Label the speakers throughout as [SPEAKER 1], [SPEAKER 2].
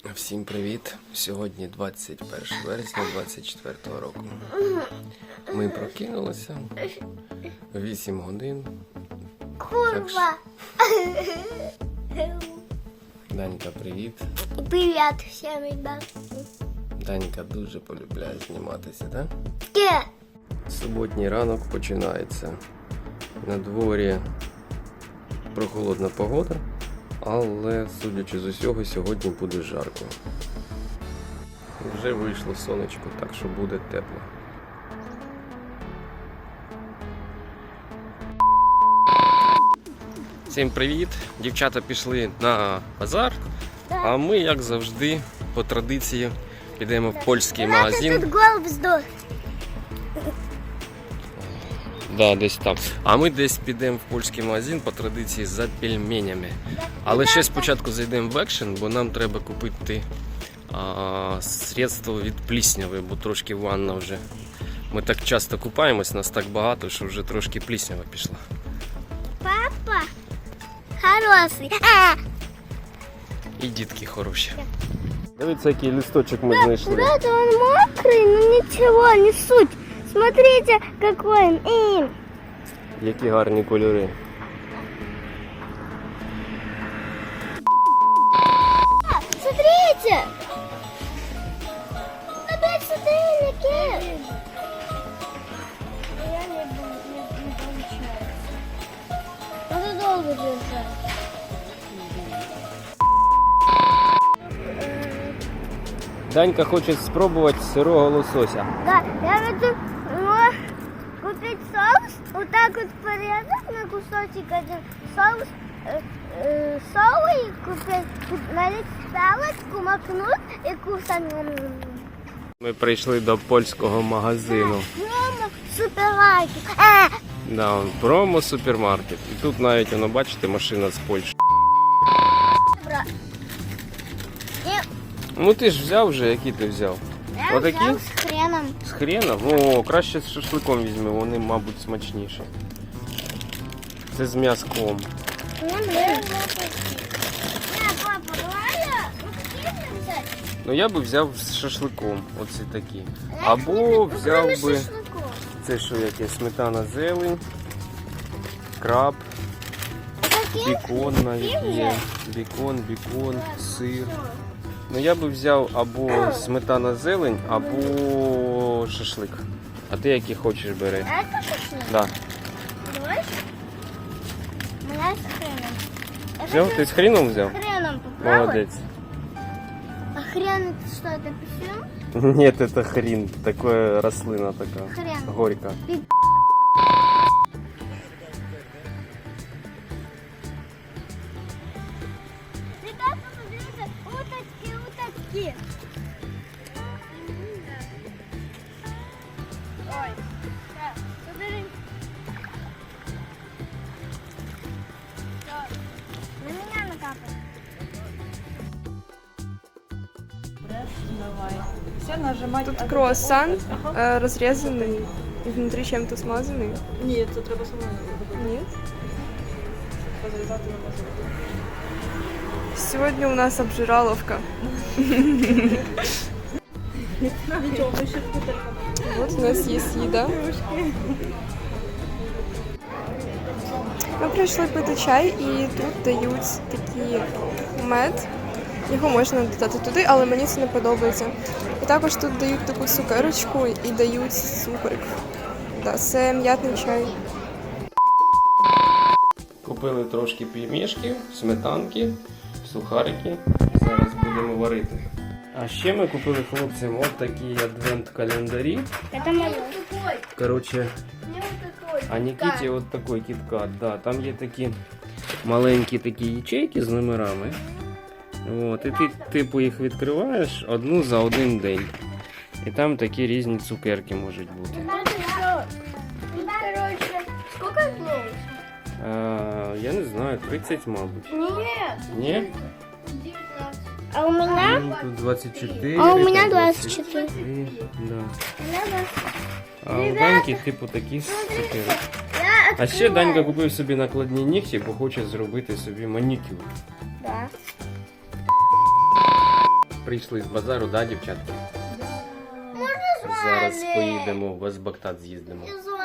[SPEAKER 1] Всім привіт! Сьогодні 21 вересня 2024 року. Ми прокинулися 8 годин.
[SPEAKER 2] Курва!
[SPEAKER 1] Данька, привіт!
[SPEAKER 2] Привіт всім, ребят!
[SPEAKER 1] Данька дуже полюбляє зніматися, так?
[SPEAKER 2] Де?
[SPEAKER 1] Суботній ранок починається. На дворі прохолодна погода, але, судячи з усього, сьогодні буде жарко. Вже вийшло сонечко, так що буде тепло. Всім привіт! Дівчата пішли на базар, а ми, як завжди, по традиції, підемо в польський магазин.
[SPEAKER 2] Тут голуб здох.
[SPEAKER 1] Да, десь там. А ми десь підемо в польський магазин по традиції за пельменями. Але ще спочатку зайдемо в екшен, бо нам треба купити средство від плісняви, бо трошки ванна вже. Ми так часто купаємось, нас так багато, що вже трошки пліснява пішла.
[SPEAKER 2] Папа хороший.
[SPEAKER 1] І дітки хороші. Дивіться, який листочок ми знайшли.
[SPEAKER 2] Ребята, он мокрый, но ничего, не суть. Смотрите, какой он.
[SPEAKER 1] Які гарні кольори.
[SPEAKER 2] Смотрите. Опять сотейники. Я не получается. Надо долго держать.
[SPEAKER 1] Данька хоче спробувати сирого лосося.
[SPEAKER 2] Да, я хочу купить соус, вот так вот порезать на кусочек один соус, соус купить, налить палочку, макнуть и кусать.
[SPEAKER 1] Ми прийшли до польського магазину.
[SPEAKER 2] Мама, супермаркет.
[SPEAKER 1] Да, он промо-супермаркет. І тут навіть, воно, бачите, машина з Польщі.
[SPEAKER 2] Бра.
[SPEAKER 1] Ну ти ж взяв вже, які ти взяв?
[SPEAKER 2] Я
[SPEAKER 1] Отакі?
[SPEAKER 2] взял с хреном.
[SPEAKER 1] З хреном? О, краще з шашликом візьми, вони, мабуть, смачніші. Це з м'язком.
[SPEAKER 2] Папа, давай взять.
[SPEAKER 1] Ну я би взяв з шашликом, оці такі. Або взяв би, це що яке, сметана, зелень, краб, бікон навіть є. Бікон, сир. Ну я би взяв або сметана, зелень, або шашлик. А ти які хочеш бери?
[SPEAKER 2] Это шашлык?
[SPEAKER 1] Да.
[SPEAKER 2] Давай. У меня с хреном. Я
[SPEAKER 1] Взяв?
[SPEAKER 2] хочу
[SPEAKER 1] Ти з хреном взяв?
[SPEAKER 2] с хреном попробовать.
[SPEAKER 1] Молодець.
[SPEAKER 2] А хрен это что, это писюн?
[SPEAKER 1] Нет, это хрен. Такая рослина такая.
[SPEAKER 2] Хрен.
[SPEAKER 1] Горько.
[SPEAKER 2] Ребята, смотрите, уточки. Ой, так, смотри. На меня накапай.
[SPEAKER 3] Все нажимать.
[SPEAKER 4] Тут круассан разрезанный и внутри чем-то смазанный.
[SPEAKER 3] Ні, це треба самому робити.
[SPEAKER 4] Нет.
[SPEAKER 3] Розрізати на мазок.
[SPEAKER 4] Сегодня у нас обжираловка.
[SPEAKER 3] Нічого, ми ще вкутерка.
[SPEAKER 4] Вот у нас есть еда. Ми прийшли пити чай і тут дають такий мед. Його можна додати туди, але мені це не подобається. І також тут дають таку цукерочку і дають цукрик. Да, це м'ятний чай.
[SPEAKER 1] Купили трошки пельмешки, сметанки, сухарики. Зараз будемо варити. А ще ми купили хлопцям от такі адвент-календарі.
[SPEAKER 2] Это мое.
[SPEAKER 1] Короче, а Нікіті от такий кіткат. Да, там є такі маленькі такі ячейки з номерами. От, і ти типу їх відкриваєш одну за один день. І там такі різні цукерки можуть бути.
[SPEAKER 2] Короче, сколько дней?
[SPEAKER 1] Я не знаю, 30, мабуть.
[SPEAKER 2] Нет.
[SPEAKER 1] Ні?
[SPEAKER 2] 19. А у меня?
[SPEAKER 1] Ну, тут 24.
[SPEAKER 2] А у меня
[SPEAKER 1] там
[SPEAKER 2] 24.
[SPEAKER 1] 23, да.
[SPEAKER 2] У меня 20.
[SPEAKER 1] А у Даньки типу такі цукерки.
[SPEAKER 2] Я
[SPEAKER 1] А ще Данька купив собі накладні нігті, бо хоче зробити собі манікюр.
[SPEAKER 2] Да.
[SPEAKER 1] прийшли з базару, да, дівчатка? Зараз поїдемо, в Азбактат з'їздимо.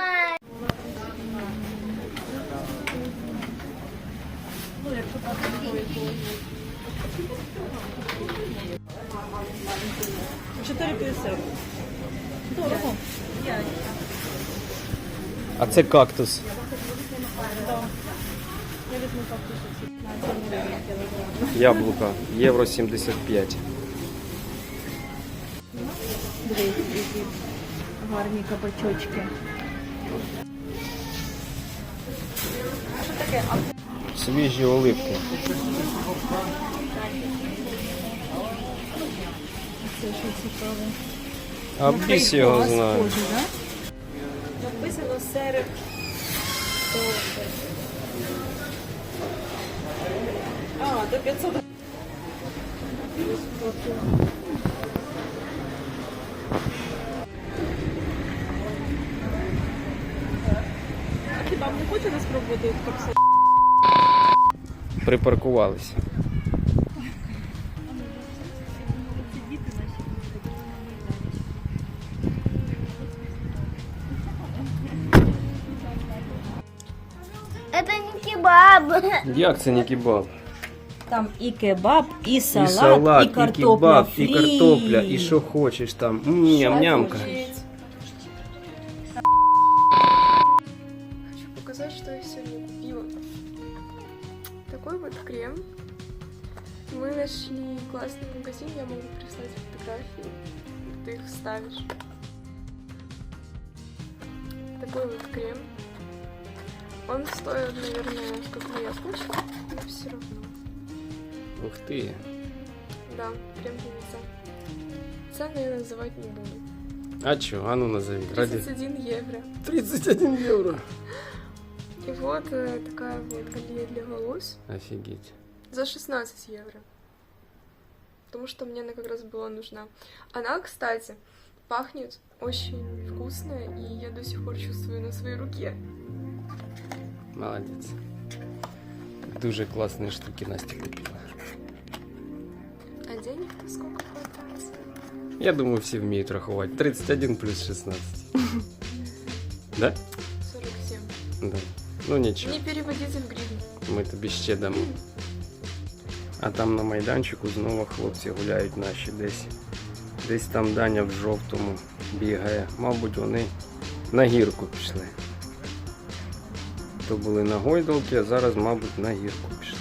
[SPEAKER 3] Дорого.
[SPEAKER 1] А це кактус.
[SPEAKER 3] Я візьму кактус.
[SPEAKER 1] Яблука. Євро 75.
[SPEAKER 3] Дивіться, які гарні кабачочки.
[SPEAKER 1] Свіжі оливки.
[SPEAKER 3] Це що цікаве.
[SPEAKER 1] А біс його знає.
[SPEAKER 3] Написано серед. А, до 500. А хіба не хочете спробувати капсулу?
[SPEAKER 1] Припаркувалися.
[SPEAKER 2] Это не кебаб.
[SPEAKER 1] Як це не кебаб?
[SPEAKER 3] Там і кебаб, і салат,
[SPEAKER 1] І салат,
[SPEAKER 3] і
[SPEAKER 1] і
[SPEAKER 3] картопля
[SPEAKER 1] кебаб,
[SPEAKER 3] фрі.
[SPEAKER 1] і картопля, і що хочеш там. Ням-нямка.
[SPEAKER 4] Хочу показать, что я сегодня купила. Такой вот крем. Мы нашли классный магазин, я могу прислать фотографии, ты их вставишь. Такой вот крем. Он стоит, наверное, как моя почка, но все равно.
[SPEAKER 1] Ух ти.
[SPEAKER 4] Да, крем для лица. Цены я называть не буду.
[SPEAKER 1] А чо? А ну назови. Ради.
[SPEAKER 4] 31 евро.
[SPEAKER 1] 31 євро.
[SPEAKER 4] И вот такая вот гель для волос
[SPEAKER 1] Офігеть.
[SPEAKER 4] за 16 евро. Потому что мне она как раз была нужна. Она, кстати, пахнет очень вкусно, и я до сих пор чувствую на своей руке.
[SPEAKER 1] Молодець. Дуже класні штуки Настя купила.
[SPEAKER 4] А денег-то сколько хватает?
[SPEAKER 1] Я думаю, всі вміють рахувати. 31 плюс 16. Да?
[SPEAKER 4] 47.
[SPEAKER 1] Да. Ну нічого.
[SPEAKER 4] Не переводите в гривну.
[SPEAKER 1] Ми тобі ще дамо. А там на майданчику знову хлопці гуляють наші десь. Десь там Даня в жовтому бігає. Мабуть, вони на гірку пішли. То були на гойдалки, а зараз, мабуть, на гірку пішли.